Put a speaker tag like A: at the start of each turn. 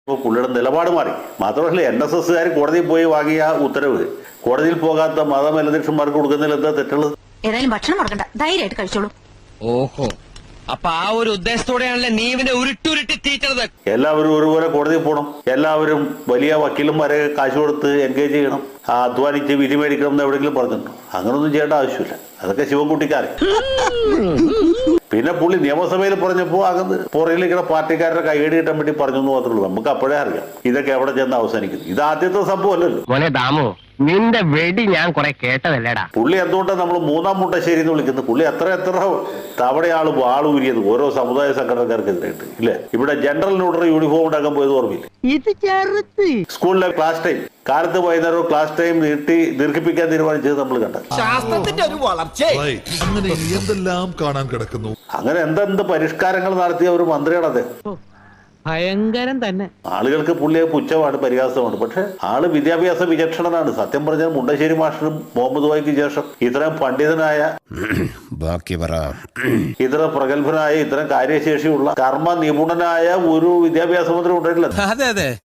A: ഇപ്പോൾ പുള്ളിയുടെ നിലപാട് മാറി. മാത്രമല്ല NSSകാർ കോടതിയിൽ പോയി വാങ്ങിയ ഉത്തരവ് കോടതിയിൽ പോകാത്ത മതമേലധ്യക്ഷന്മാർക്ക് കൊടുക്കുന്നതിൽ എന്താ തെറ്റുള്ളത്?
B: ഏതായാലും ഭക്ഷണം മുടക്കണ്ട, ധൈര്യമായിട്ട് കഴിച്ചോളൂ.
C: ഓഹോ, അപ്പൊ ആ ഒരു ഉദ്ദേശത്തോടെയാണല്ലേ നീ ഇവനെ ഉരുട്ടുരുട്ടി തീറ്റത്.
A: എല്ലാവരും ഒരുപോലെ കോടതിയിൽ പോകണം, എല്ലാവരും വലിയ വക്കീലന്മാരെ കാശ് കൊടുത്ത് എൻഗേജ് ചെയ്യണം, അധ്വാനിച്ച് വിധി മേടിക്കണം എന്ന് എവിടെയെങ്കിലും പറഞ്ഞിട്ടുണ്ടോ? അങ്ങനൊന്നും ചെയ്യേണ്ട ആവശ്യമില്ല. അതൊക്കെ ശിവൻകുട്ടിക്കാരൻ. പിന്നെ പുള്ളി നിയമസഭയിൽ പറഞ്ഞപ്പോൾ അകന്ന് പുറകിലിരിക്കുന്ന പാർട്ടിക്കാരുടെ കൈയടി കിട്ടാൻ വേണ്ടി പറഞ്ഞു എന്ന് മാത്രമേ ഉള്ളൂ. നമുക്ക് അപ്പോഴേ അറിയാം ഇതൊക്കെ എവിടെ ചെന്ന് അവസാനിക്കുന്നു. ഇത് ആദ്യത്തെ സംഭവമല്ലല്ലോ.
D: മോനെ ദാമു, നിന്റെ വെടി ഞാൻ കുറെ കേട്ടതല്ലേടാ.
A: പുള്ളി എന്തുകൊണ്ടാണ് നമ്മൾ മൂന്നാം മുട്ടശ്ശേരി എന്ന് വിളിക്കുന്നത്? പുള്ളി എത്ര തവണയാൾ വാളൂരിയത് ഓരോ സമുദായ സംഘടനക്കാർക്കെതിരായിട്ട് ഇല്ലേ? ഇവിടെ ജനറൽ ന്യൂട്രൽ യൂണിഫോം ഉണ്ടാക്കാൻ പോയത് ഓർമ്മയില്ല? സ്കൂളിലെ ക്ലാസ് ടൈം കാലത്ത് വൈകുന്നേരം ക്ലാസ് ടൈം ദീർഘിപ്പിക്കാൻ തീരുമാനിച്ചത് നമ്മൾ കണ്ടത്.
C: ശാസ്ത്രത്തിന്റെ ഒരു വളർച്ച
E: അങ്ങനെ എന്തെല്ലാം കാണാൻ കിടക്കുന്നു.
A: അങ്ങനെ എന്തെന്ത് പരിഷ്കാരങ്ങൾ നടത്തിയ ഒരു മന്ത്രിയാണ് അദ്ദേഹം.
D: ഭയങ്കരം തന്നെ.
A: ആളുകൾക്ക് പുള്ളിയെ പുച്ഛമാണ്, പരിഹാസമാണ്. പക്ഷെ ആള് വിദ്യാഭ്യാസ വിചക്ഷണനാണ്. സത്യം പറഞ്ഞാൽ മുണ്ടശ്ശേരി മാഷിനും മുഹമ്മദ് വായിക്ക് ശേഷം ഇത്രയും പണ്ഡിതനായ, ഇത്ര പ്രഗത്ഭനായ, ഇത്രയും കാര്യശേഷിയുള്ള കർമ്മ നിപുണനായ ഒരു വിദ്യാഭ്യാസ മന്ത്രി ഉണ്ടായിട്ടില്ല.